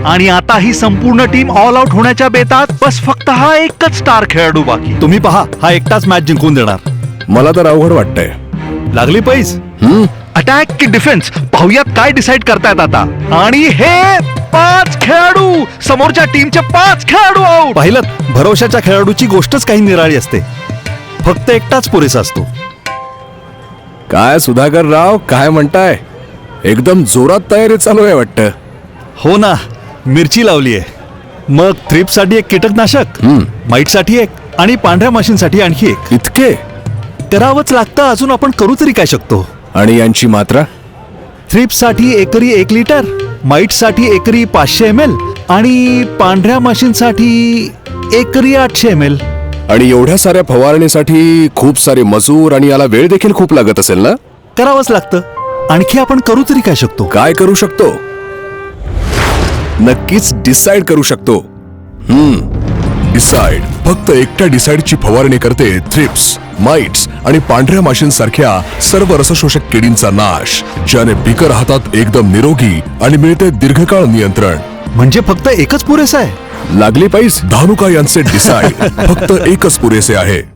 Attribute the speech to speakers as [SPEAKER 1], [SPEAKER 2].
[SPEAKER 1] आणि आता ही संपूर्ण टीम ऑल आउट होण्याच्या बेतात. बस फक्त हा एकच स्टार खेळाडू बाकी.
[SPEAKER 2] तुम्ही पहा, हा एकटाच मॅच जिंकून देणार.
[SPEAKER 3] मला तर अवघड वाटतंय.
[SPEAKER 2] लागली पैस.
[SPEAKER 1] अटॅक की डिफेन्स, पाहुयात काय डिसाइड करतायत आता. आणि हे 5 खेळाडू, समोरच्या टीमचे 5 खेळाडू आउट.
[SPEAKER 2] पाहिलं, भरोशाच्या खेळाडूची गोष्टच काही निराळी असते. फक्त एकटाच पुरेसा असतो.
[SPEAKER 3] काय सुधाकर राव, काय म्हणताय? एकदम जोरात तयारी चालू आहे वाटतं.
[SPEAKER 2] हो ना, मिरची लावली आहे. मग थ्रिप्ससाठी एक कीटकनाशक, माईटसाठी एक आणि पांढऱ्या माशींसाठी आणखी एक.
[SPEAKER 3] इतके?
[SPEAKER 2] करावंच लागतं. अजून आपण करू तरी काय शकतो?
[SPEAKER 3] आणि यांची मात्रा?
[SPEAKER 2] थ्रिप्ससाठी एकरी 1 लिटर, माईटसाठी एकरी 500 ml आणि पांढऱ्या माशींसाठी एकरी 800 ml.
[SPEAKER 3] आणि एवढ्या साऱ्या फवारणीसाठी खूप सारे मजूर आणि याला वेळ देखील खूप लागत असेल ना?
[SPEAKER 2] करावंच लागतं. आणखी आपण करू तरी काय शकतो?
[SPEAKER 3] काय करू शकतो? नक्कीच डिसाइड करू शकतो. डिसाइड फक्त एकट्या डिसाइडची फवारणी करते थ्रिप्स, माइट्स आणि पांढऱ्या माशींसारख्या सर्व रसशोषक किडींचा नाश, ज्याने पिकं राहतात एकदम निरोगी आणि मिळते दीर्घकाळ नियंत्रण.
[SPEAKER 2] म्हणजे फक्त एकच पुरेसा आहे?
[SPEAKER 3] लागली पाहिजे. धानुका यांचे डिसाइड फक्त एकच पुरेसे आहे.